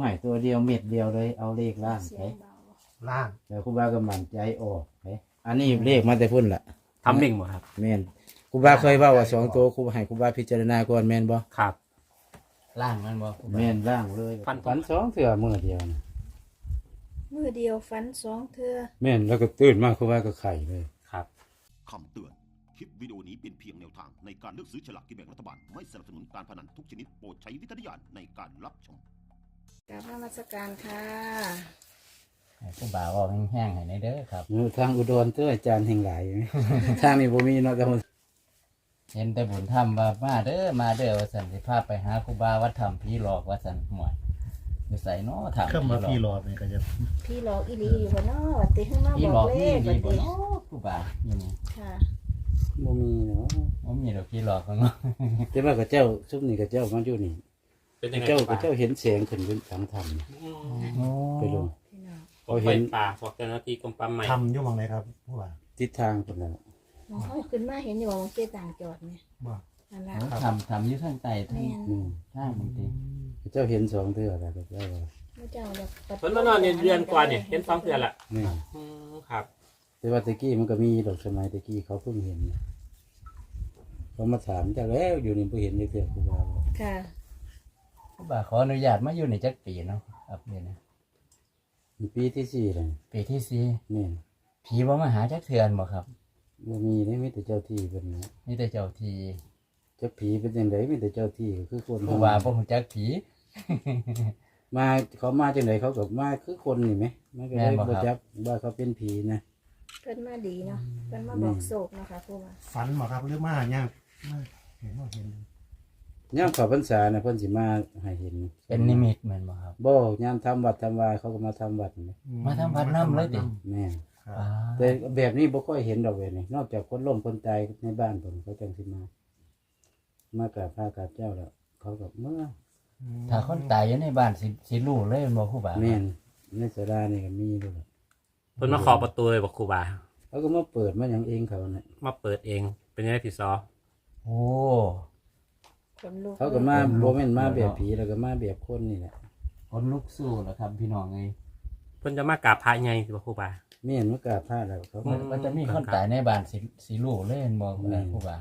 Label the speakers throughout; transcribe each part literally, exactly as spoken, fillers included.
Speaker 1: ให้ตัวเดียวเม็ดเดียวเลยเอาเลขล่างไป
Speaker 2: ล่าง
Speaker 1: แล้วครูบาก็มั่นใจออกไปอันนี้เลขมาแต่พุ่นล่ะ
Speaker 3: ทำหนึ่งบ่ครับ
Speaker 1: แม่นครูบาเคยเว้าว่าสองตัวครูให้ครูบาพิจารณาก่อนแม่นบ่
Speaker 3: ครับ
Speaker 4: ล่างมันบ่
Speaker 1: แม่นล่างเลย
Speaker 3: ฟัน
Speaker 1: ฝันสองเทื่อมื้อเดียวนะ
Speaker 5: มือเดียวฟันสองเทือ
Speaker 1: แม่นแล้วก็ตื่นมาครูบาก็ไข่เลย
Speaker 3: ครับ
Speaker 6: คำเตือน คลิปวิดีโอนี้เป็นเพียงแนวทางในการเลือกซื้อฉลากกินแบ่งรัฐบาล ไม่สนับสนุนการพนันทุกชนิดโปรดใช้วิจารณญาณในการรับชม
Speaker 5: กราบนมัสการค่ะ
Speaker 4: ให้ผู้บ่าวเอาแห้งๆให้ในเด้อครับ
Speaker 1: เออทางอุดรเตื้ออาจารย์แห่งหลาย ทางนี้บ่มีเนาะแต่ว่า
Speaker 4: เห็นแต่บุญธรรมว่ามาเด้อมาเด้อว่าสันสิพาไปหาครูบาวัดธรรมผีหลอกว่าสันหมวยอยู่ใส่เนาะถาม
Speaker 2: เครื่องมาพี่รอนี่ก็จะ
Speaker 5: พี่หลอกอีหลีอยู่บ่เนาะวัดติข้างนอก
Speaker 4: ผี
Speaker 5: บ
Speaker 4: หล
Speaker 5: อ
Speaker 4: อก
Speaker 5: กเล
Speaker 4: นี่
Speaker 5: ข
Speaker 4: ดี
Speaker 5: วัด
Speaker 4: บ่
Speaker 5: ติ
Speaker 4: เนาะครูบาอยู่นี่
Speaker 5: ค่ะ
Speaker 1: บ่มีเนาะ
Speaker 4: บ่มีดอกผีหลอกของเนาะ
Speaker 1: แต่ว่ากับเจ้าซุมนี่กับเจ้ามันอยู่นี่
Speaker 3: เป็นยังไง
Speaker 1: เจ้า
Speaker 3: ครู
Speaker 1: กั
Speaker 3: บา
Speaker 1: บเจ้าเห็นแสงขึ้นเป็นสังธรรม
Speaker 3: อืม
Speaker 4: โอ้
Speaker 1: ไปลง
Speaker 5: พี่น้อง
Speaker 1: เขา
Speaker 3: ไฟ
Speaker 1: เห็น
Speaker 3: ป่าบอกเจ้าหน้าที่กรมป่าไม้
Speaker 2: ทำอยู่หมองไหนครับผู้ว่า
Speaker 1: ทิศทางพุ่นน่ะ
Speaker 5: มองเขาขึ้นมาเห็นอยู่ว่ามันเจต่างจอดเนี่ย
Speaker 2: ว่า
Speaker 5: นั่นล่ะ
Speaker 4: ทำทำอยู่ทางใต้ทาง
Speaker 5: แม่น
Speaker 1: อืม
Speaker 4: ทางบางที
Speaker 1: เจ้าเห็นสองเทื่อแล้วก็เจ้าว่า
Speaker 5: พระเจ้าเรียกปัด
Speaker 3: เพิ่นมานอนเนี่ยเดือนกว่าเนี่ยเห็นสองเดือนละ
Speaker 1: นี่
Speaker 3: อืมครับ
Speaker 1: แต่ว่าตะกี้มันก็มีดอกสมัยตะกี้เขาเพิ่งเห็นนะเขามาถามเจ้าแล้วอยู่นี่บ่เห็นเลยเทื่อครูบาบอก
Speaker 5: ค่ะ
Speaker 4: ครูบาขออนุญาตมาอยู่ในจักปีเนาะครับเดี๋ยวนี้
Speaker 1: นี่ปีที่สี่แล้ว
Speaker 4: ปีที่สี่
Speaker 1: นี่
Speaker 4: ผีบ่มาหาจักเทือนบ่ครับ
Speaker 1: บ่มีได้มีแต่เจ้าที่เพิ่นนะ
Speaker 4: มีแต่เจ้าที่
Speaker 1: จักผีเป็นจังไดมีแต่เจ้าที่ก็คือคน
Speaker 4: ครูบาบ่ฮู้จักผี
Speaker 1: มาเขามาจังไดเขาก็มาคือคนนี่ไหมมันก็เลยบ่จักว่าเขาเป็นผีนะ
Speaker 5: เพิ่นมาดีเนาะเพิ่นมาบอกโศกเนาะค่ะครูว่า
Speaker 2: ฝันบ่ครับหรือมาย่างมาเห็นว่าเห็น
Speaker 1: ยามเข้าพรรษาน่ะเพิ่นสิมาให้เห็น
Speaker 4: เป็นนิมิตแม่นบ่ครับ
Speaker 1: บ่ยามทำวัดทำวาเขาก็มาทำวัดนี่
Speaker 4: มาทำวัดนำเลยติ
Speaker 1: แม่น
Speaker 2: ครับ
Speaker 4: อ่า
Speaker 1: แต่แบบนี้บ่ค่อยเห็นดอกเว้ยนี่นอกจากคนล้มคนตายในบ้านเพิ่นเขาจังสิมา มากราบพระกราบเจ้าแล้วเขาก็เมื่อ
Speaker 4: ถ้าคนตายอยู่ในบ้านสิสิรู้เลยบ่ครูบา
Speaker 1: แม่นในศาลานี่ก็มีด้วย
Speaker 3: เพิ่นมาขอประตูเลยบอกครูบา
Speaker 1: เขาก็มาเปิดมาหยังเองเขาน่ะ
Speaker 3: มาเปิดเองเป็นยังไงพี่ซอ
Speaker 4: โอ้
Speaker 5: คนลูก
Speaker 1: เขาก็มาบ่แม่นมาแบบผีแล้วก็มาแบบคนนี่แหละ
Speaker 4: คนลุกสู้แล้วครับพี่น้องเอ้ย
Speaker 3: เพิ่นจะมากราบพระไงบอกครูบา
Speaker 1: แม่นมากราบพระแล้วเขา
Speaker 3: อื
Speaker 1: ก็
Speaker 3: ม
Speaker 4: มันจะมีคนตายในบ้านสิสิรู้เลยบ่
Speaker 1: แม่น
Speaker 4: ครูบา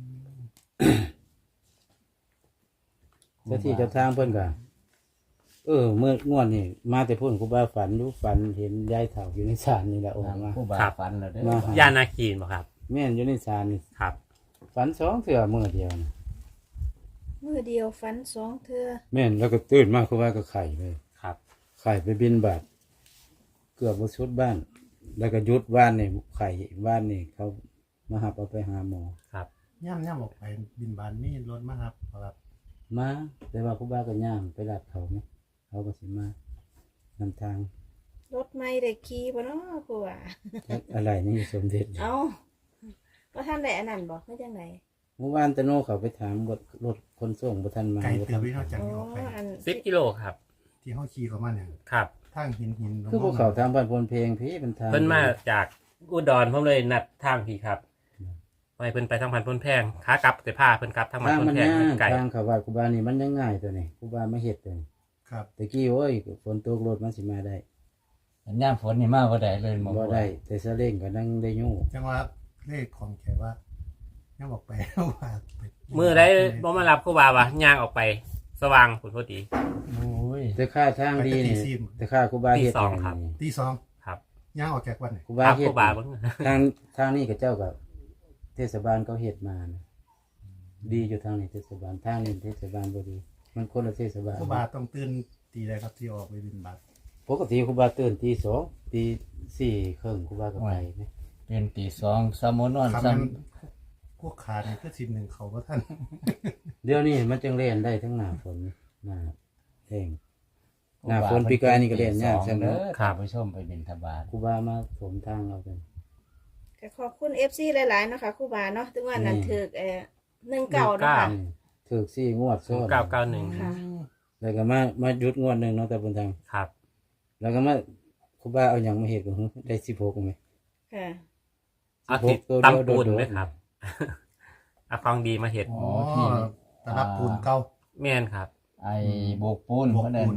Speaker 1: เจ้าที่เจ้าทางเพิ่นก็เออเมื่องวดนี่มาแต่พุ่นครูบาฝันรู้ฝันเห็นยายเฒ่าอยู่ในศาลนี่แหละออกมา
Speaker 4: ครูบาฝันแล้วเด้อ
Speaker 1: มาหา
Speaker 3: ย่านาคีนบอกครับ
Speaker 1: แม่นอยู่ในศาลนี่
Speaker 3: ครับ
Speaker 1: ฝันสองเทื่อมื้อเดียวนะ
Speaker 5: มือเดียวฟันสองเทือ
Speaker 1: แม่นแล้วก็ตื่นมาครูบาก็ไข่เลย
Speaker 3: ครับ
Speaker 1: ไข่ไปบินบาทเกือบบ่ชุดบ้าน แล้วก็หยุดบ้านนี่ไข่บ้านนี่เขามาหับเอาไปหาหมอ
Speaker 3: ครับ
Speaker 2: ย่ำย่ำออกไปบินบานนี่รถมาครับครับ
Speaker 1: มาแต่ว่าครูบาก็ย่างไปรับเขาไหมเขาก็สิมานำทาง
Speaker 5: รถไม่ได้ขี่บ่เนาะครูว่า
Speaker 1: อะไรนี่สมเด็จ
Speaker 5: เอ้าว่าท่านได้อันนั้นบอกไม่จังไหน
Speaker 1: เมื่อวานตะโนเขาไปถามรถรถคนส่งบ่ทันมา
Speaker 2: ไก่
Speaker 1: บ่
Speaker 2: เตื
Speaker 1: ทั
Speaker 2: อน วินอกจาก
Speaker 5: อ๋อ
Speaker 2: นี้ออกไป
Speaker 5: อัน
Speaker 3: สิบกิโลครับ
Speaker 2: ที่ห้องขี่เขามาเนี่ย
Speaker 3: ครับ
Speaker 2: ทางหินหิน
Speaker 1: คือพวกเขาทางบ้านพลเพลงพี่เป็นทาง
Speaker 3: เพิ่นมาจากอุดรผมเลยนัดทางพี่ครับไปเพิ่นไปทางพันพ้นแพงขากลับแต่ผ้าเพิ่นกลับทางพัน
Speaker 1: ทาง
Speaker 3: พ้น
Speaker 1: มัน
Speaker 3: แพง
Speaker 1: ยาก
Speaker 3: ไก่
Speaker 1: ทางเขาว่าครูบานี่มันยังง่ายตัวนี้ครูบามาเฮ็ดตัวนี้
Speaker 2: ครับ
Speaker 1: ตะกี้โอ้ยฝนตกรถมันสิมาได้
Speaker 4: สัญญาณฝนนี่มาบ่ได้เลยบ่
Speaker 1: บ่ได้แต่ซาเล้งก็นั่งได้อยู่
Speaker 2: จังว่าเลขของแกว่าย่ำออกไปว่าไป
Speaker 3: มือได้บ่มารับครูบาวะย่างออกไปสว่างผลพอดี
Speaker 4: โอ้ย
Speaker 1: แต่ค่าทางดีนี่แต่ค่าครูบาเฮ็ด
Speaker 3: ตีสองครับ
Speaker 1: นี่
Speaker 2: ตีสอง
Speaker 3: ครับ
Speaker 2: ย่างออกจากวันไหน
Speaker 1: ครูบา
Speaker 3: ครับ
Speaker 1: เฮ็
Speaker 3: ค
Speaker 1: ด
Speaker 3: รูบาเบิ่ง
Speaker 1: ทางทางนี้กับเจ้ากับเทศบาลเขาเฮ็ดมานะดีอยู่ทางนี้เทศบาลทางนี้เทศบาลบ่ดี มันคนละเทศบาล
Speaker 2: ผู้บาต้องตื่นตีอะไรครับที่ออกไปบินบาท
Speaker 1: ปกติครูบาตื่นตีสองตีสี่ครึ่งครูบาก็ไปนะ
Speaker 4: เป็นตีสองสามโมงนอน
Speaker 2: คำ
Speaker 4: ซ้
Speaker 2: นั้นพวกขาเนี่ยก็สิบหนึ่งเขาว่าท่าน
Speaker 1: เดี๋ยวนี้มันจึงเล่นได้ทั้งหน้าฝนหน้าแห้ง
Speaker 4: ำ
Speaker 1: หน้าฝนปีกายนี่ก็เล่นยาก
Speaker 4: ตีส
Speaker 1: ใช่
Speaker 4: อง
Speaker 1: ไหม
Speaker 4: เด้อข้าผู้ชมไปบิณฑบาต
Speaker 1: ครูบามาถมทางเรากัน
Speaker 5: ก็ขอบคุณ เอฟ ซี หลายๆเนาะค่ะครูบาเนาะถึงว่านั้น
Speaker 1: อืม
Speaker 5: ถึกเอ่อหนึ่งเก่าเนาะค่ะ
Speaker 1: อืมถือสี่งวดซ้อน
Speaker 3: เก้าเก้าหนึ่ง
Speaker 5: ค่ะ
Speaker 1: แล้วก็มามาหยุดงวดหนึ่งเนาะแต่บนทาง
Speaker 3: ครับ
Speaker 1: แล้วก็มาครูบาเอาอย่างมาเห็ดกันได้สิบหกไหม
Speaker 5: ค่ะ
Speaker 3: เอาติด
Speaker 1: ตัวเดียว
Speaker 3: ตำปูน
Speaker 1: โดดๆ
Speaker 3: ไหมครับ เอาของดีมาเห็ด
Speaker 2: อ๋อตะรับปูนเก่า
Speaker 3: แม่นครับ
Speaker 4: ไอ้โบกปูน
Speaker 2: โบกปูน
Speaker 4: เพราะนั้น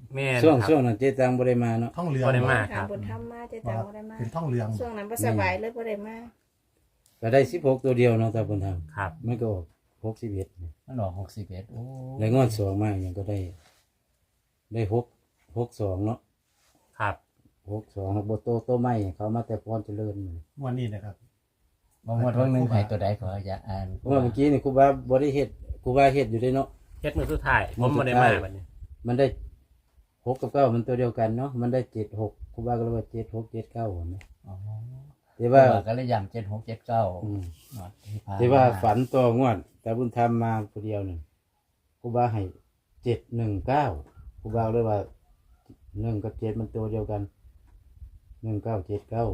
Speaker 3: แม่น
Speaker 1: ช่วง
Speaker 3: ครับ
Speaker 1: ช่วงนั้นเจ๊ตังบ่ได้มาเนาะ
Speaker 2: ท่องเรือง
Speaker 3: บ่ได้มา
Speaker 5: ถามบนธรรมมาเจ๊ตังบ่ได้มา
Speaker 2: เป็นท่องเรือง
Speaker 5: ช่วงนั้นบ่สบายเลยบ่ได้มา
Speaker 1: ก็ได้สิบหกตัวเดียวเนาะตาเพิ่นทำ
Speaker 3: ครับ
Speaker 1: มันก็ออกหกสิบเอ็ด
Speaker 4: มันออกหกสิบเอ็ดโอ้
Speaker 1: แล้วงวดสองมาอย่างก็ได้ ได้หกหกสองเนาะ
Speaker 3: ครับ
Speaker 1: หกสองโบโตโตใหม่เขามาแต่พรเจริญ
Speaker 2: วันนี้นะครับ
Speaker 4: บางวันวันหนึงให้ตัวใดขออย่าอ่าน
Speaker 1: เพราะว่าเมื่อกี้นี่ครูบาบ่ได้เฮ็ดครูบาเฮ็ดอยู่ได้เนาะ
Speaker 3: เฮ็ดมือสุดท้ายผมบ่ได้มาบัดนี้
Speaker 1: มันได้หกกับเก้ามันตัวเดียวกันเนาะมันได้เจ็ดหกครูบาก็เลยว่าเจ็ดหกเจ็ดเก้าเห็นไหม
Speaker 4: อ๋อ
Speaker 1: แต่
Speaker 4: ว่า
Speaker 1: ว่า
Speaker 4: ก็เลยย้ำเจ็ดหกเจ็ดเก้า
Speaker 1: อืม
Speaker 4: ที่ผ่าน
Speaker 1: แต่ว่าฝันตัวงวด แต่บุญธรรมมาตัวเดียวหนึ่งครูบาให้เจ็ดหนึ่งเก้าครูบาเลยว่าหนึ่งกับเจ็ดมันตัวเดียวกันหนึ่งเก้าเจ็ดเก้าก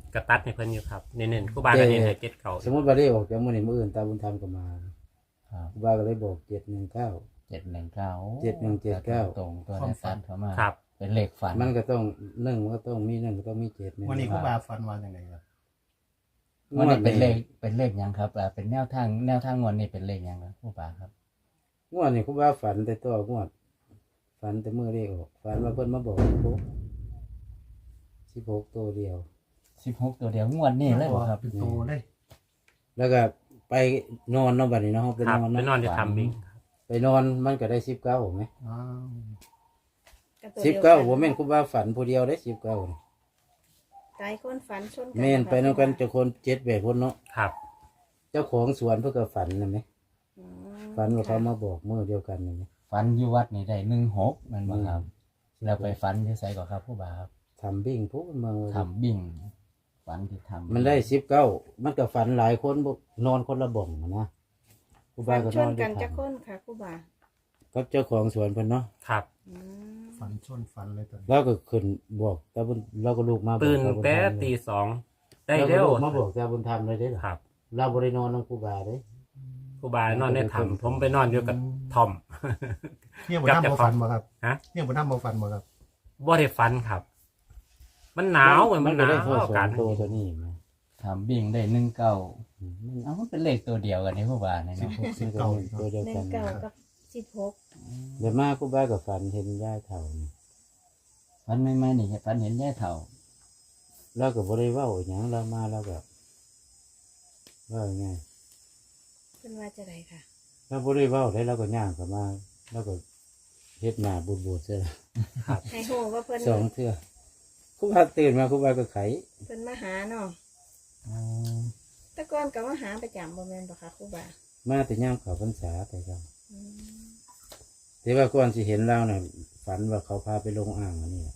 Speaker 3: ระตัดให้เพิ่นอยู่ครับเน้นๆครูบาก็เน้นให้เจ็ดเก่า
Speaker 1: สมมติว่าได้ออกจากมือนี้มืออื่นตาบุญธรรมก็มา
Speaker 4: ครับ
Speaker 1: ครูบาก็เลยบอกเจ็ดหนึ่งเก้า
Speaker 4: เจ็ดหนึ่งเก้า
Speaker 1: เจ็ดหนึ่งเจ็ดเก้า
Speaker 4: ตรงตัวนั้นตัดเข้ามา
Speaker 3: ครับ
Speaker 4: เป็นเลขฝัน
Speaker 1: มันก็ต้องหนึ่งมันก็ต้องมีหนึ่งก็ต้องมีเจ็ด
Speaker 2: วันนี้ครูบาฟันวันยังไงครับ
Speaker 4: วันนี้เป็นเลขเป็นเลขหยังครับอ่าเป็นแนวทางแนวทางงวดนี้เป็นเลขหยังครับผู้ป่าครับ
Speaker 1: งวดนี่ครูบาฝันแต่ตัวงวดฝันแต่มือได้ออกฝันว่าเพิ่นมาบอกสิบหกสิบหกตัวเดียว
Speaker 4: สิบหกตัวเดียวงวดนี้เลยบ่ครับ
Speaker 2: เป็นโตเลย
Speaker 1: แล้วก็ไปนอนเนาะบัดนี้เนาะไป
Speaker 3: ครั
Speaker 1: น
Speaker 3: บ
Speaker 1: อน
Speaker 3: ไปน
Speaker 1: เนาะ
Speaker 3: อนอยู่ทำบิง
Speaker 1: ไปนอนมันก็ได้สิบเก้าไหม
Speaker 2: อ้าว
Speaker 5: ตัว
Speaker 1: สิบ
Speaker 5: ดียว
Speaker 1: เก้าผมแม่นครูบาฝันผู้เดียวได้สิบเก้า
Speaker 5: ตายคนฝันชนกั
Speaker 1: แม่นไปน้องกันเจ้าคนเจ็ดแบบคนเนาะ
Speaker 3: ครับ
Speaker 1: เจ้าของสวนเพื่อก็ฝันนะไหม
Speaker 5: อืม
Speaker 1: ฝันว่าเขามาบอกเมื่อเดียวกันนะไหม
Speaker 4: ฝันอยู่วัดนี่ได้หนึ่งหกมันบ่ครับแล้วไปฝันที่ไสก่อนครับผู้บ่าครับ
Speaker 1: ทำบิ่งปุ๊บมันมา
Speaker 4: ทำบิ่งฝันที่ทำ
Speaker 1: มันได้สิบเก้ามันก็ฝันหลายคนบอกนอนคนละบ่องนะครู
Speaker 5: ฝั
Speaker 1: บาน ก็
Speaker 5: ช
Speaker 1: นอน นด้
Speaker 5: กั
Speaker 1: วน ย
Speaker 5: จั
Speaker 1: กั
Speaker 5: ก
Speaker 1: น
Speaker 5: คนค่ะครูบา
Speaker 1: ก็เจ้าของสวนเพิ่นเนาะ
Speaker 3: ครับ
Speaker 5: อืม
Speaker 2: ฟันชนฟันเลยตอนนี้
Speaker 1: เราก็ขึ้นบอกตาบุญเราก็ลูกมาบอก
Speaker 3: ตื่น
Speaker 1: ตาบุญ
Speaker 3: แต่
Speaker 1: ธรรมเลย
Speaker 3: ตีสองได้
Speaker 1: เราก็
Speaker 3: เร็ว
Speaker 1: ลูกมาบอกตาบุญธรรมเลยเด้อ
Speaker 3: ครับ
Speaker 1: เราบริโนอนน้องครูบาเด้
Speaker 3: ครูบานอนในถ้ำผมไปนอนอยู่กับทอม
Speaker 2: เนี่ยบนน้ำโมฟันมาครับ
Speaker 3: ฮะ
Speaker 2: เนี่ยบนน้ำโมฟันมาครับ
Speaker 3: บ่ได้ฟันครับ มันหนาวเหมือนมันห
Speaker 1: ก็
Speaker 3: นา
Speaker 1: ได้
Speaker 3: ว
Speaker 1: โทษสอ
Speaker 3: กั
Speaker 1: ง
Speaker 3: น
Speaker 1: ตัวตัวนี้มา
Speaker 4: ทำบิ่งได้หนึ่งเก้า
Speaker 1: อืม
Speaker 4: เอ้ามันเป็นเลขตัวเดียวกันนี่ผู้บ่าเนี่ยเนาะ
Speaker 1: มันก็เป็นตัวเดียว
Speaker 5: หนึ่
Speaker 1: กั
Speaker 5: ง
Speaker 1: น
Speaker 5: เก้ากับสิบหก
Speaker 1: เดี๋ยวมาครูบากับฝันเห็นย่าเถ่านี่
Speaker 4: ฝันไม่ไม่นี่ฝันเห็นแย่เถ่า
Speaker 1: เราก็บริว่าอหย่างเรามาเราก็ว่าไง
Speaker 5: เป็นว่าจะไรค่ะ
Speaker 1: เราบริว่าได้เราก็ย่างเข้ามาเราก็เฮ็ดหน้าบูดบูดๆเสียละ
Speaker 5: ให้โหว่าเพิ่น
Speaker 1: สองเทื่อครูบาตื่นมาครูบาก็ไข
Speaker 5: เพิ่นมาหาเนาะ
Speaker 4: อ๋อ
Speaker 5: แต่ก่อนก็มาหาประจำบ่แม่นบ่คะครูบา
Speaker 1: มาแต่ย่างเขาพรรษาแต่ก็
Speaker 5: อืม
Speaker 1: แต่ว่าก่อนสิเห็นเราเนี่ยฝันว่าเขาพาไปลงอ่างอันนี้แหละ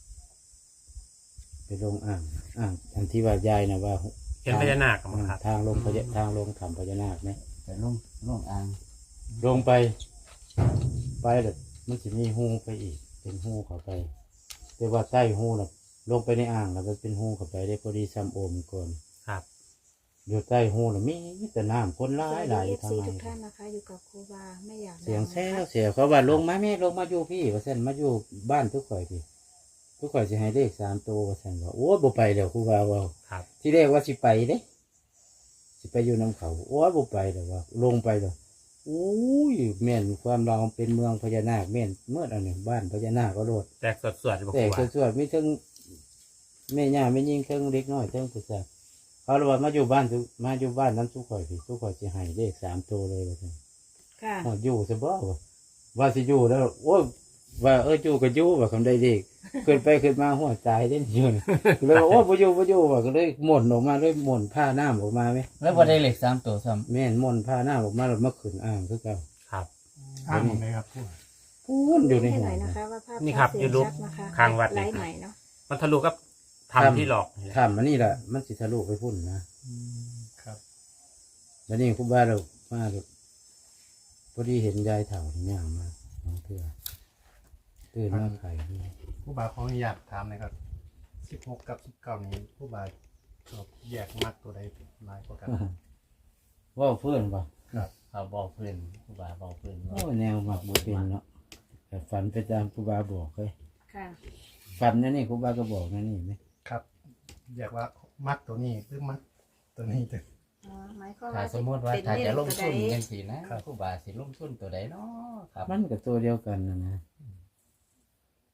Speaker 1: ไปลงอ่างอ่างอันที่ว่ายายนะว่า
Speaker 3: เห็นพญานาคมั้งครับ
Speaker 1: ทางลงพญาทางลงถ้ำพญานาคไหม
Speaker 4: ไปลุ่มลุ่มอ่าง
Speaker 1: ลงไป ไปเลยมันจะมีหูไปอีก เป็นหูเข้าไป แต่ว่าใต้หูน่ะ ลงไปในอ่างแล้วมันเป็นหูเข้าไปได้พอดีซ้ำโอมก่อน
Speaker 3: ครับ
Speaker 1: อยู่ใต้หูน่ะมีแต่น้ำคนร้ายหลายอ
Speaker 5: เอยู่ ฟ
Speaker 1: ทาง
Speaker 5: ซี
Speaker 1: ใน
Speaker 5: ทุกท่านนะคะ อยู่กับครูบาไม่อยาก
Speaker 1: เสียง
Speaker 5: ดั
Speaker 1: แซ่
Speaker 5: นะคะ
Speaker 1: เสียเขาว่าลงมาแม่ลงมาอยู่พี่ว่าเส้นมาอยู่บ้านทุกข่อยพี่ทุกข่อยสิให้เลขสามตัวว่าเส้นว่าโอ้ยบ่ไปเดี๋ยวครูบาว่า
Speaker 3: ครับ
Speaker 1: ที่แรกว่าสิไปเด้สิไปอยู่น้ำเขาโอ้ยบ่ไปเดี๋ยวว่า ลงไปเดี๋ยวอุ้ยแม่นความเราเป็นเมืองพญานาคแม่นเมื่ออันนี้บ้านพญานาคก็โลด
Speaker 3: แตกสวดๆบอก
Speaker 1: แต่
Speaker 3: ครูบา
Speaker 1: สวดๆมีทั้งแม่ย่าแม่ยิ่งทั้งเล็กน้อยทั้งผู้ชายเขาเลยว่ามาอยู่บ้านทุกมาอยู่บ้านนั้นทุกข่อยพี่ทุกข่อยสิให้เลขสามตัวเลยว่าซั่น
Speaker 5: ค่ะ
Speaker 1: อ๋ออยู่ซะบ่ว่าว่าสิอยู่แล้วโอ้ยว่าเอออยู่ก็อยู่ว่าคำใดเด็กขึ้นไปขึ้นมาหัวใจเด่นอยู่นี่เลยว่าโอ้บ่อยู่บ่อยู่ว่าก็เลยหม่นออกมาเลยหม่นผ้าน้ำออกมาไหม
Speaker 4: แล้วบ่ได้เลขสามตัวซ้
Speaker 1: แม่นหม่นผ้าน้ำออกมาแล้วมาขึ้นอ่างคือเก่า
Speaker 3: ครับ
Speaker 2: อ้างหมดเลยครับพูด
Speaker 1: พูนอยู่ใน
Speaker 5: ให้
Speaker 1: หั
Speaker 5: ห
Speaker 1: ว
Speaker 5: น่อยนะคะว่าภาพ
Speaker 3: นี่ครับ
Speaker 5: เสียง
Speaker 3: YouTube
Speaker 5: ชัดนะคะ
Speaker 3: ข้างวัด
Speaker 5: ไล
Speaker 3: นี่
Speaker 5: ฟ์ใหม่เนาะ
Speaker 3: มันทะลุกับทำที่หลอกนี่แหละ
Speaker 1: ทำอันนี้แหละมันสิทะลุไปพุ่นนะ
Speaker 2: ครับ
Speaker 1: แล้วนี่ครูบาเรามาเราพอดีเห็นยายเถ่าที่ย่างมาน้องเพื่อตื่นมาไข่
Speaker 2: ผู้บาขออนุญาตถามหนะครับสิบหกกับสิบเก้านี้ผู้บาชอบแยกมากตัวใดหลายกว่ากัน
Speaker 1: ว่าเพื่อนป่ะ
Speaker 2: ครับ
Speaker 4: ำเขาบอกเพื่อนผู้บ่าบอกเพื่อน
Speaker 1: โอ้แนวหมักบุเป็นเนาะแต่ฝันไปตามครูบาบอกเลย
Speaker 5: ค่ะ
Speaker 1: ฝันนั่นนี่ครูบาก็บอกนั่นนี่ไหม
Speaker 2: ครับแยกว่ามักตัวนี้หรือมักตัวนี้ตัว
Speaker 5: อ๋อหมายความ
Speaker 4: ถ้า
Speaker 5: ว่า
Speaker 4: สมมติว่า
Speaker 5: เป็น
Speaker 4: ถ้าจะลงทุน
Speaker 5: เลขตัวใด
Speaker 4: กันสินะผู้บ่าสิลงทุนตัวใดเนาะครับ
Speaker 1: มันกับตัวเดียวกันนะนะ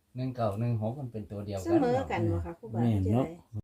Speaker 4: หนึ่งเก้าหนึ่งหกมันเป็นตัวเดียว
Speaker 5: เส
Speaker 4: กัน
Speaker 5: มอ
Speaker 4: เนาะ
Speaker 5: กันบ่ค่ะครูบา
Speaker 1: แม่น
Speaker 5: จะ
Speaker 1: เนาะ
Speaker 5: ได้